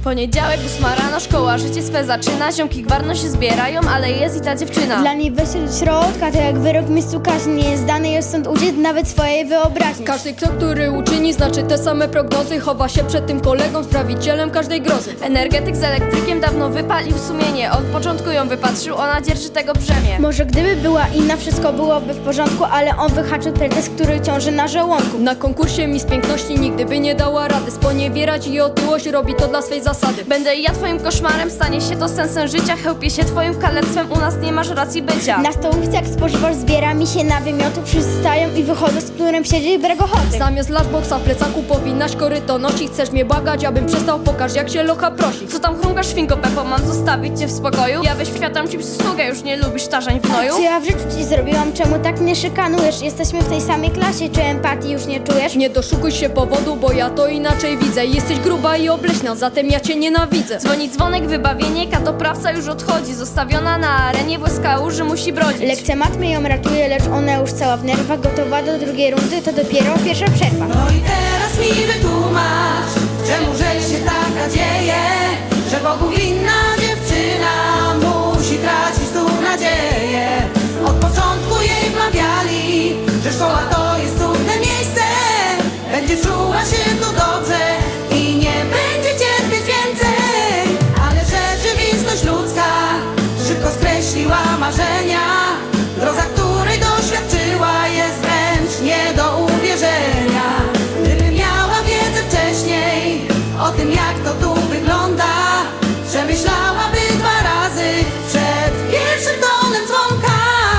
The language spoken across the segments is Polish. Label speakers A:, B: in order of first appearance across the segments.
A: Poniedziałek, 8 rano, szkoła, życie swe zaczyna. Ziomki gwarno się zbierają, ale jest i ta dziewczyna.
B: Dla niej wejście do środka to jak wyrok w miejscu kaźni. Nie jest dany jest stąd uciec nawet swojej wyobraźni.
C: Każdy krok, który uczyni, znaczy te same prognozy. Chowa się przed tym kolegą, sprawicielem każdej grozy.
A: Energetyk z elektrykiem dawno wypalił sumienie. Od początku ją wypatrzył, ona dzierży tego brzemię.
B: Może gdyby była inna, wszystko byłoby w porządku, ale on wyhaczył pretekst, który ciąży na żołądku.
C: Na konkursie Miss Piękności nigdy by nie dała rady sponiewierać i otyłość, robi to dla swej zasady.
A: Będę ja twoim koszmarem, stanie się to sensem życia. Chełpię się twoim kalectwem, u nas nie masz racji bycia.
B: Na stołówce jak spożywasz zbiera mi się na wymiotu. Wszyscy stają i wychodzą, z którym siedzi brak ochoty.
C: Zamiast lunchboxa w plecaku powinnaś koryto nosić. Chcesz mnie błagać, abym przestał, pokaż jak się locha prosi.
A: Co tam chrumkasz, świnko Pepo, mam zostawić cię w spokoju? Ja wyświadczam ci przysługę, już nie lubisz tarzań w gnoju?
B: Co ja w życiu ci zrobiłam, czemu tak mnie szykanujesz? Jesteśmy w tej samej klasie, czy empatii już nie czujesz?
C: Nie doszukuj się powodu, bo ja to inaczej widzę. Jesteś gruba i obleśna, zatem ja cię nienawidzę.
A: Dzwoni dzwonek, wybawienie, katoprawca już odchodzi. Zostawiona na arenie, w łez musi brodzić.
B: Lekcja matmy ją ratuje, lecz ona już cała w nerwach. Gotowa do drugiej rundy, to dopiero pierwsza przerwa.
D: No i teraz mi wytłumacz, czemu że się taka dzieje, że Bogu winna dziewczyna musi tracić tu nadzieję. Od początku jej wmawiali, że szkoła to jest cudne miejsce, będzie czuła się tu dobrze i nie będzie cierpieć więcej. Ale rzeczywistość ludzka szybko skreśliła marzenia. Droga, której doświadczyła, jest wręcz nie do uwierzenia. Gdyby miała wiedzę wcześniej o tym, jak to tu wygląda, przemyślałaby 2 razy przed pierwszym tonem dzwonka.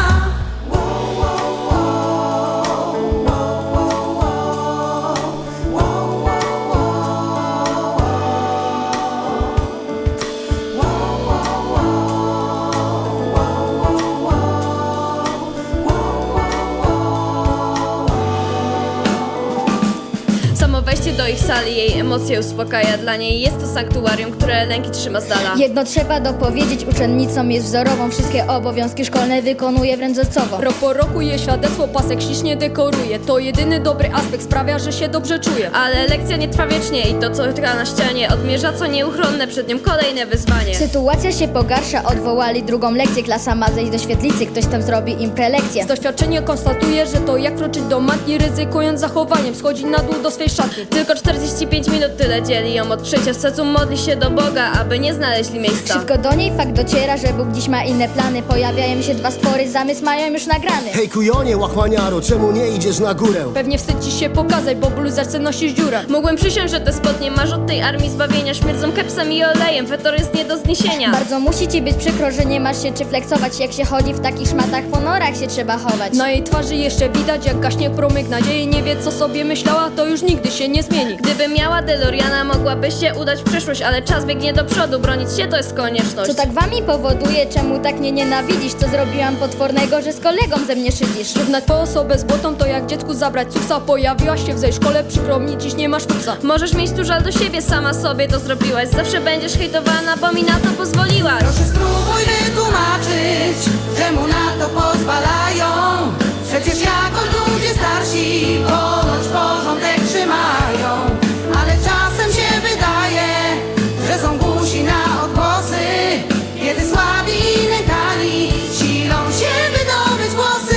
A: Samo wejście do ich sali jej emocje uspokaja. Dla niej jest to sanktuarium, które lęki trzyma z dala.
E: Jedno trzeba dopowiedzieć, uczennicą jest wzorową. Wszystkie obowiązki szkolne wykonuje wręcz wzorcowo.
C: Rok po roku jej świadectwo pasek ślicznie dekoruje. To jedyny dobry aspekt, sprawia, że się dobrze czuje.
A: Ale lekcja nie trwa wiecznie i to, co gra na ścianie, odmierza co nieuchronne, przed nią kolejne wyzwanie.
E: Sytuacja się pogarsza, odwołali drugą lekcję. Klasa ma zejść do świetlicy, ktoś tam zrobi im prelekcję.
C: Z doświadczenia konstatuje, że to jak kroczyć do matki, ryzykując zachowaniem, schodzi na dół do swej szatni.
A: Tylko 45 minut tyle dzieli ją od trzecia. W sercu modli się do Boga, aby nie znaleźli miejsca.
E: Szybko do niej fakt dociera, że Bóg dziś ma inne plany. Pojawiają się 2 stwory, zamysł mają już nagrany.
F: Hej kujonie, łachmaniaro, czemu nie idziesz na górę?
C: Pewnie wstyd ci się pokazać, bo bluzerce nosisz dziurę.
A: Mógłbym przysiąść, że te spodnie masz od tej armii zbawienia. Śmierdzą kepsem i olejem, fetor jest nie do zniesienia.
E: Bardzo musi ci być przykro, że nie masz się czy flexować. Jak się chodzi w takich szmatach, po norach się trzeba chować.
C: Na jej twarzy jeszcze widać, jak gaśnie promyk nadziei. Nie wie, co sobie myślała, to już nigdy się nie zmieni.
A: Gdyby miała DeLoreana, mogłaby się udać w przyszłość, ale czas biegnie do przodu, bronić się to jest konieczność.
E: Co tak wami powoduje, czemu tak mnie nienawidzisz? Co zrobiłam potwornego, że z kolegą ze mnie szydzisz?
C: Równać po osobę z błotą to jak dziecku zabrać cuksa. Pojawiłaś się w tej szkole, przykro mi, dziś nie masz fuksa.
A: Możesz mieć tu żal do siebie, sama sobie to zrobiłaś. Zawsze będziesz hejtowana, bo mi na to pozwoliłaś.
D: Proszę spróbuj wytłumaczyć, czemu na to pozwalają. Przecież jako ludzie starsi ponoć porządek trzymają. Ale czasem się wydaje, że są głusi na odgłosy, kiedy słabi i nękani silą się wydobyć głosy.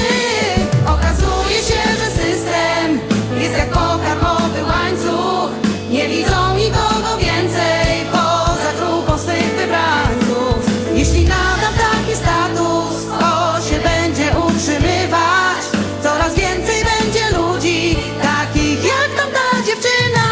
D: Okazuje się, że system jest jak pokarmowy łańcuch. Nie widzą nikogo więcej poza grupą swych wybrańców. Jeśli nadam taki status, to się będzie utrzymywać. Coraz więcej będzie ludzi takich jak tamta dziewczyna.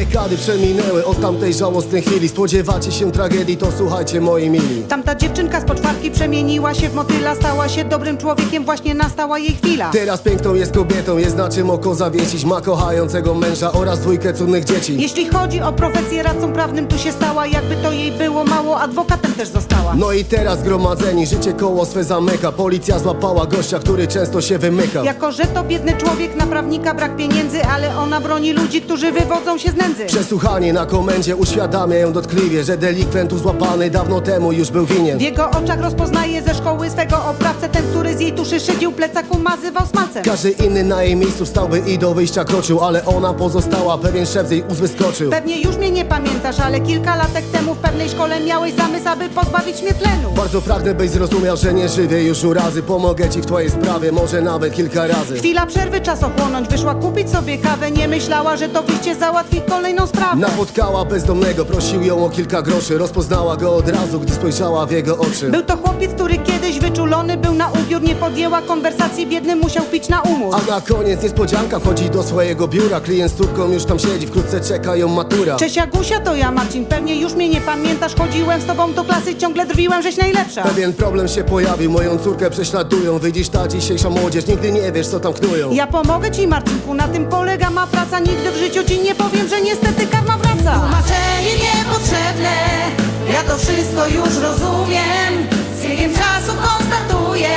F: Dekady przeminęły od tamtej żałosnej chwili. Spodziewacie się tragedii, to słuchajcie moi mili.
D: Tamta dziewczynka z poczwarki przemieniła się w motyla, stała się dobrym człowiekiem, właśnie nastała jej chwila.
F: Teraz piękną jest kobietą, jest na czym oko zawiesić. Ma kochającego męża oraz dwójkę cudnych dzieci.
D: Jeśli chodzi o profesję, radcą prawnym tu się stała. Jakby to jej było mało, adwokatem też została.
F: No i teraz zgromadzeni, życie koło swe zamyka. Policja złapała gościa, który często się wymyka.
D: Jako że to biedny człowiek, na prawnika brak pieniędzy, ale ona broni ludzi, którzy wywodzą się z nędzy.
F: Przesłuchanie na komendzie uświadamia ją dotkliwie, że delikwent złapany dawno temu już był winien.
D: W jego oczach rozpoznaje ze szkoły swego oprawcę, ten, który z jej tuszy szydził, plecak umazywał smalcem.
F: Każdy inny na jej miejscu stałby i do wyjścia kroczył, ale ona pozostała, pewien szef z jej ust wyskoczył.
D: Pewnie już mnie nie pamiętasz, ale kilka latek temu w pewnej szkole miałeś zamysł, aby pozbawić mnie tlenu.
F: Bardzo pragnę, byś zrozumiał, że nie żywię już urazy. Pomogę ci w twojej sprawie, może nawet kilka razy.
D: Chwila przerwy, czas ochłonąć, wyszła kupić sobie kawę, nie myślała, że to wyjście załatwi kolejną sprawę.
F: Napotkała bezdomnego, prosił ją o kilka groszy. Rozpoznała go od razu, gdy spojrzała w jego oczy.
D: Był to chłopiec, który kiedyś wyczulony był na ubiór, nie podjęła konwersacji, biedny musiał pić na umór.
F: A na koniec niespodzianka, wchodzi do swojego biura. Klient z córką już tam siedzi, wkrótce czeka ją matura.
D: Cześć Agusia, to ja Marcin, pewnie już mnie nie pamiętasz, chodziłem z tobą do klasy, ciągle drwiłem, żeś najlepsza.
F: Pewien problem się pojawił, moją córkę prześladują. Widzisz, ta dzisiejsza młodzież, nigdy nie wiesz, co tam knują.
D: Ja pomogę ci, Marcinku, na tym polega ma praca, nigdy w życiu ci nie powiem, że niestety karma wraca. Tłumaczenie niepotrzebne, ja to wszystko już rozumiem. Z biegiem czasu konstatuję,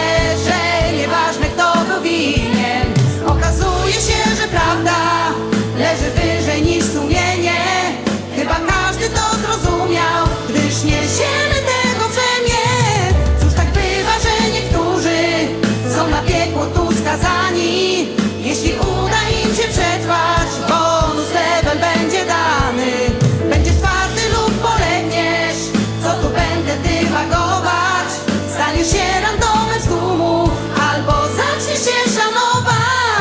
D: że nieważne kto był winien. Okazuje się, że prawda leży wyżej niż sumienie. Chyba każdy to zrozumiał, gdyż niesiemy tego brzemię. Cóż tak bywa, że niektórzy są na piekło tu skazani. Jeśli uda im się przetrwać, bonus level będzie dany. Będziesz twardy lub polegniesz, co tu będę dywagować. Staniesz się randomem z tłumu, albo zaczniesz się szanować.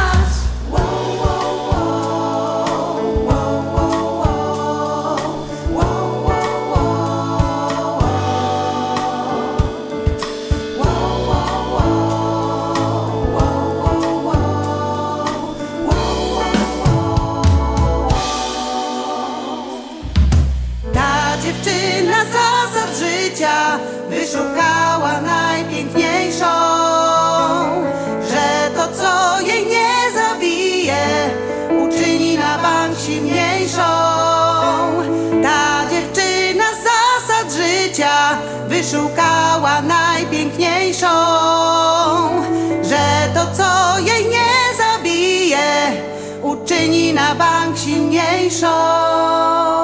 D: Ta dziewczyna zasad życia wyszukała najpiękniejszą, że to co jej nie zabije uczyni na bank silniejszą. Ta dziewczyna zasad życia wyszukała najpiękniejszą, że to co jej nie zabije uczyni na bank silniejszą.